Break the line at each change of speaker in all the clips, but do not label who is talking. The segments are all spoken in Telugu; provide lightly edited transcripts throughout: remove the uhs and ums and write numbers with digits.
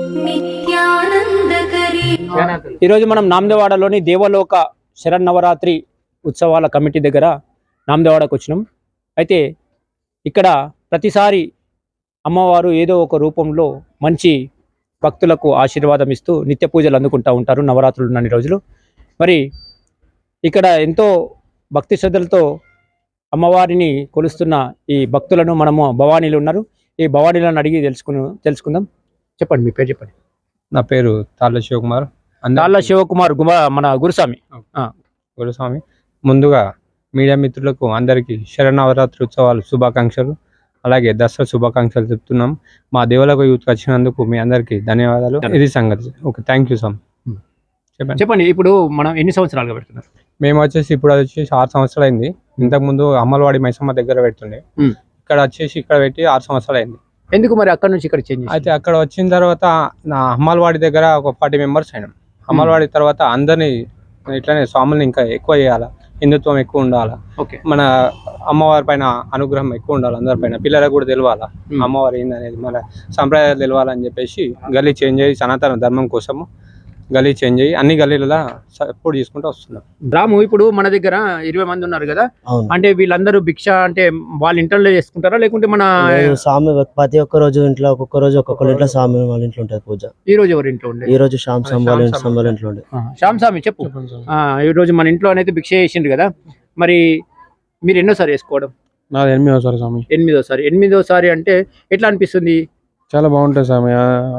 ఈరోజు మనం నామదేవాడలోని దేవలోక శరన్నవరాత్రి ఉత్సవాల కమిటీ దగ్గర నామదేవాడకు వచ్చినాం. అయితే ఇక్కడ ప్రతిసారి అమ్మవారు ఏదో ఒక రూపంలో మంచి భక్తులకు ఆశీర్వాదం ఇస్తూ నిత్య పూజలు అందుకుంటూ ఉంటారు నవరాత్రులు ఉన్నన్ని రోజులు. మరి ఇక్కడ ఎంతో భక్తి శ్రద్ధలతో అమ్మవారిని కొలుస్తున్న ఈ భక్తులను మనము భవానీలు ఉన్నారు, ఈ భవానీలను అడిగి తెలుసుకుందాం. చెప్పండి, మీ పేరు చెప్పండి.
నా పేరు తాళ్ళ శివకుమార్.
మన గురుస్వామి.
ముందుగా మీడియా మిత్రులకు అందరికీ శరన్నవరాత్రి ఉత్సవాలు శుభాకాంక్షలు, అలాగే దసరా శుభాకాంక్షలు చెప్తున్నాం. మా దేవాలయ యూత్కి వచ్చినందుకు మీ అందరికీ ధన్యవాదాలు. ఇది సంగతి. Okay, thank you sir.
చెప్పండి, ఇప్పుడు మనం ఎన్ని సంవత్సరాలుగా పెడుతున్నారు?
మేము వచ్చేసి ఇప్పుడు 6 సంవత్సరాలు అయింది. ఇంతకుముందు అమ్మలవాడి మైసమ్మ దగ్గర పెడుతుండే, ఇక్కడ వచ్చేసి ఇక్కడ పెట్టి 6 సంవత్సరాలు అయింది.
ఎందుకు మరి అక్కడ నుంచి ఇక్కడ చేంజ్?
అయితే అక్కడ వచ్చిన తర్వాత నా అమ్మలవాడి దగ్గర ఒక 40 మెంబర్స్ అయినాం. అమ్మలవాడి తర్వాత అందరినీ ఇట్లానే స్వాముల్ని ఇంకా ఎక్కువ చేయాలా, హిందుత్వం ఎక్కువ ఉండాలా, మన అమ్మవారి పైన అనుగ్రహం ఎక్కువ ఉండాలి, అందరిపైన పిల్లలకు కూడా తెలియాలా అమ్మవారి ఏందనేది, మన సంప్రదాయాలు తెలియాలని చెప్పేసి గల్లీ చేంజ్ అయ్యి సనాతన ధర్మం కోసము గల్లీ చేంజ్ అయ్యి అన్ని గల్లీలలో సపోర్ట్ చేసుకుంటూ వస్తున్నాం.
రాము, ఇప్పుడు మన దగ్గర 20 మంది ఉన్నారు కదా, అంటే వీళ్ళందరూ భిక్ష అంటే వాళ్ళ ఇంట్లో చేసుకుంటారా, లేకుంటే మన
స్వామి ప్రతి ఒక్క రోజు ఇంట్లో ఒక్కొక్క రోజు ఒక్కొక్కరి ఇంట్లో స్వామి వాళ్ళ ఇంట్లో ఉంటుంది పూజ. ఈ రోజు ఎవరి ఇంట్లో ఉండే? ఈ రోజు శ్యామ్ వాళ్ళ ఇంట్లో ఉండే.
శ్యామ్ స్వామి చెప్పు. ఈ రోజు మన ఇంట్లో అనేది భిక్ష చేసిండ్రు కదా, మరి మీరు ఎన్నోసారి వేసుకోవడం?
నాది 8వ సారి స్వామి.
8వ సారి అంటే ఎట్లా అనిపిస్తుంది?
చాలా బాగుంటుంది స్వామి.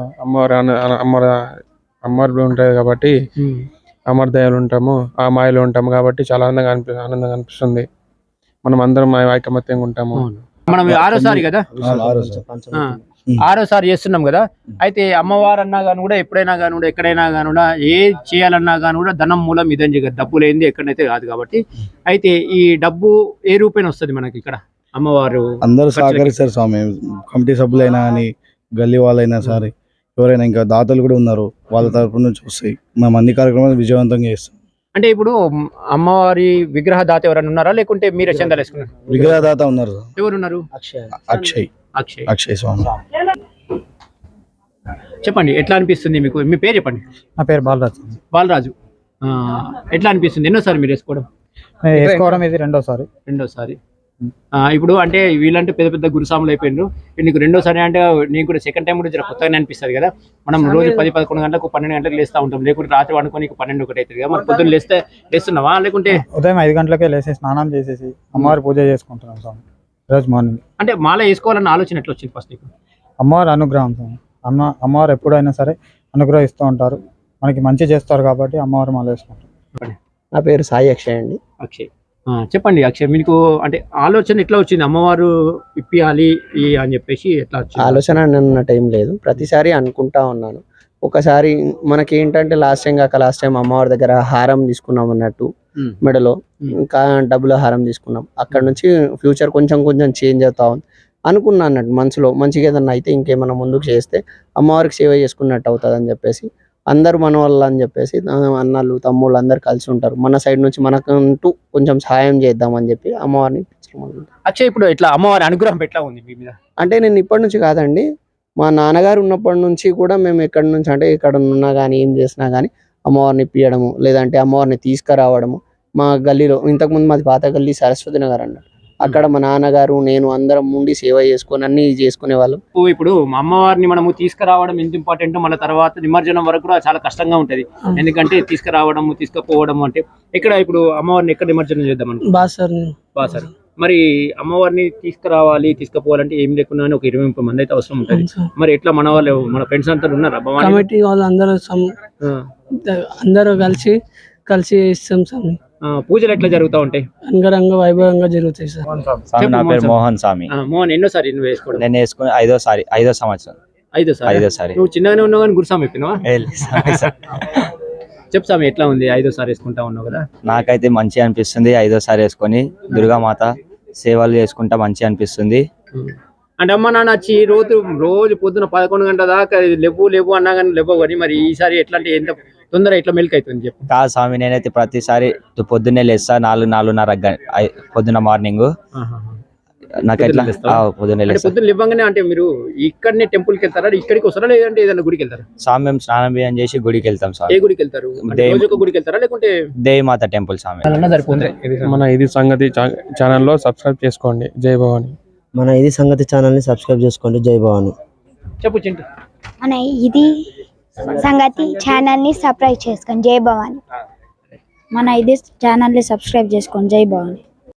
అమ్మవారి ఉంటుంది కాబట్టి అమర దయాలు ఉంటాము, ఆ మాయలో ఉంటాము కాబట్టి చాలా ఆనందంగా అనిపిస్తుంది. మనం అందరం ఐకమత్యంగా ఉంటాము.
మనం 6వ సారి కదా, 6వ సారి చేస్తున్నాం కదా. అయితే అమ్మవారు అన్నా కానీ కూడా ఎప్పుడైనా కానీ కూడా ఎక్కడైనా కానీ కూడా ఏ చేయాలన్నా కానీ కూడా ధనం మూలం ఇదని చెప్పి డబ్బు లేనిది ఎక్కడైతే కాదు కాబట్టి, అయితే ఈ డబ్బు ఏ రూపేణ వస్తుంది మనకి ఇక్కడ? అమ్మవారు
అందరూ సహకరిస్తారు స్వామి, కమిటీ సభ్యులైనా కానీ గల్లీ వాళ్ళైనా సరే ఎవరైనా ఇంకా దాతలు కూడా ఉన్నారు, వాళ్ళ తరపు నుంచి వస్తాయి. మేము అన్ని కార్యక్రమాలు విజయవంతంగా చేస్తాం.
అంటే ఇప్పుడు అమ్మవారి విగ్రహ దాత ఎవరైనా ఉన్నారా, లేకుంటే మీరే చందాలు వేసుకున్నారు?
విగ్రహదాత ఉన్నారు.
ఎవరున్నారు?
అక్షయ్ స్వామి.
చెప్పండి, ఎట్లా అనిపిస్తుంది మీకు? మీ పేరు చెప్పండి.
నా పేరు
బాలరాజు. ఎట్లా అనిపిస్తుంది? ఎన్నోసారి మీరు వేసుకోవడం?
ఇది రెండోసారి.
ఇప్పుడు అంటే వీళ్ళంటే పెద్ద పెద్ద గురుస్వాములు అయిపోయినారు, నీకు రెండోసారి అంటే నీకు కూడా సెకండ్ టైం కూడా జర కొత్తగానే అనిపిస్తుంది కదా. మనం రోజు 10-11 గంటలకు 12 గంటలకు లేస్తూ ఉంటాం, లేకుంటే రాత్రి వండుకొని 12-1 అవుతుంది కదా. మరి పొద్దున్న లేస్తున్నావా, లేకుంటే
ఉదయం 5 గంటలకే లేసేసి స్నానం చేసేసి అమ్మవారి పూజ చేసుకుంటున్నాం స్వామి రోజు మార్నింగ్.
అంటే మాల వేసుకోవాలన్న ఆలోచన ఎట్లా వచ్చింది ఫస్ట్ నీకు?
అమ్మవారి అనుగ్రహం స్వామి. అమ్మవారు ఎప్పుడైనా సరే అనుగ్రహిస్తూ ఉంటారు, మనకి మంచి చేస్తారు కాబట్టి అమ్మవారు మాల వేసుకుంటారు.
నా పేరు సాయి అక్షయ్ అండి.
అక్షయ్, చెప్పండి అక్షయ్, మీకు అంటే ఆలోచన ఎట్లా వచ్చింది అమ్మవారు ఇప్పియాలి అని చెప్పేసి? ఎట్లా వచ్చింది
ఆలోచన? అన్న టైం లేదు, ప్రతిసారి అనుకుంటా ఉన్నాను. ఒకసారి మనకి ఏంటంటే లాస్ట్ టైం అమ్మవారి దగ్గర హారం తీసుకున్నాం అన్నట్టు, మెడలో ఇంకా డబ్బుల హారం తీసుకున్నాం. అక్కడ నుంచి ఫ్యూచర్ కొంచెం చేంజ్ అవుతా ఉంది అనుకున్నా అన్నట్టు మనసులో. మంచిగా ఏదన్నా అయితే ఇంకేమన్నా ముందుకు చేస్తే అమ్మవారికి సేవ చేసుకున్నట్టు అవుతుంది అని చెప్పేసి, అందరు మన వాళ్ళు అని చెప్పేసి అన్నలు తమ్ముళ్ళు అందరు కలిసి ఉంటారు, మన సైడ్ నుంచి మనకంటూ కొంచెం సహాయం చేద్దామని చెప్పి అమ్మవారిని.
అచ్చా, ఇప్పుడు ఇట్లా అమ్మవారి అనుగ్రహం ఎట్లా ఉంది మీ మీద?
అంటే నేను ఇప్పటి నుంచి కాదండి, మా నాన్నగారు ఉన్నప్పటి నుంచి కూడా మేము ఎక్కడి నుంచి అంటే ఇక్కడ ఉన్నా కానీ ఏం చేసినా కానీ అమ్మవారిని ఇప్పియడము, లేదంటే అమ్మవారిని తీసుకురావడము. మా గల్లీలో ఇంతకుముందు మాది పాత గల్లీ సరస్వతి నగర్ అన్నట్టు, అక్కడ మా నాన్నగారు నేను అందరం ఉండి సేవ చేసుకొని అన్ని చేసుకునే వాళ్ళం.
ఇప్పుడు అమ్మవారిని మనము తీసుకురావడం ఎంత ఇంపార్టెంట్, మన తర్వాత నిమజ్జనం వరకు కూడా చాలా కష్టంగా ఉంటది. ఎందుకంటే తీసుకురావడం తీసుకుపోవడం అంటే ఇక్కడ ఇప్పుడు అమ్మవారిని ఎక్కడ నిమజ్జనం చేద్దాం బాసర్. మరి అమ్మవారిని తీసుకుపోవాలంటే ఏం లేకున్నా ఒక 20-30 మంది అయితే అవసరం ఉంటుంది. మరి ఎట్లా మన ఫ్రెండ్స్ అంతా ఉన్నారా?
కమిటీ వాళ్ళు అందరూ కలిసి ఇస్తాం స్వామి.
పూజలు ఎట్లా జరుగుతూ ఉంటాయి?
అంగరంగ వైభవంగా జరుగుతాయి సార్.
నా పేరు మోహన్ స్వామి.
మోహన్, ఎన్నోసారి నువ్వు వేసుకోవడం?
నేను వేసుకుని 5వ సంవత్సరం.
5వ సారి. నువ్వు చిన్నగానే ఉన్నావు కానీ గురుస్వామి అయిపోయినావా? చెప్పు స్వామి, ఎట్లా ఉంది? 5వ సారి వేసుకుంటా ఉన్నావు కదా.
నాకైతే మంచిగా అనిపిస్తుంది. 5వ సారి వేసుకొని దుర్గామాత సేవలు చేసుకుంటా మంచిగా అనిపిస్తుంది.
అంటే అమ్మ నాన్న వచ్చి రోజు పొద్దున 11 గంటల దాకా లేవు అన్నా కానీ లేవు, కానీ మరి ఈసారి ఎట్లా అంటే ఎంత తొందర ఇట్లా మెల్క్ అవుతుంది చెప్పు?
కాదు స్వామి, నేనైతే ప్రతిసారి పొద్దున్నే లేస్తా 4-4:30 పొద్దున మార్నింగ్. నాకు ఎట్లా పొద్దున్న
అంటే పొద్దున్న లేవగానే అంటే మీరు ఇక్కడనే టెంపుల్ కి వెళ్తారా, ఇక్కడికి వస్తారా, లేదంటే ఏదైనా గుడికి వెళ్తారా?
స్వామి మేము స్నానం బియ్యం చేసి గుడికి వెళ్తాం
ఏ
స్వామి.
గుడికి వెళ్తారు? అంటే రోజు ఒక గుడికి వెళ్తారా, లేకుంటే
దేవిమాత టెంపుల్ స్వామి.
సరిపోతుంది?
మన ఇది సంగతి ఛానల్లో సబ్స్క్రైబ్ చేసుకోండి. జై భవాని.
మన ఇది సంగతి ఛానల్ని సబ్స్క్రైబ్ చేసుకోండి. జై భవాని.
చెప్పు చింటూ.
మన ఇది సంగతి ఛానల్ని సబ్స్క్రైబ్ చేసుకోండి. జై భవాని. మన ఇది ఛానల్ని సబ్స్క్రైబ్ చేసుకోండి. జై భవాని.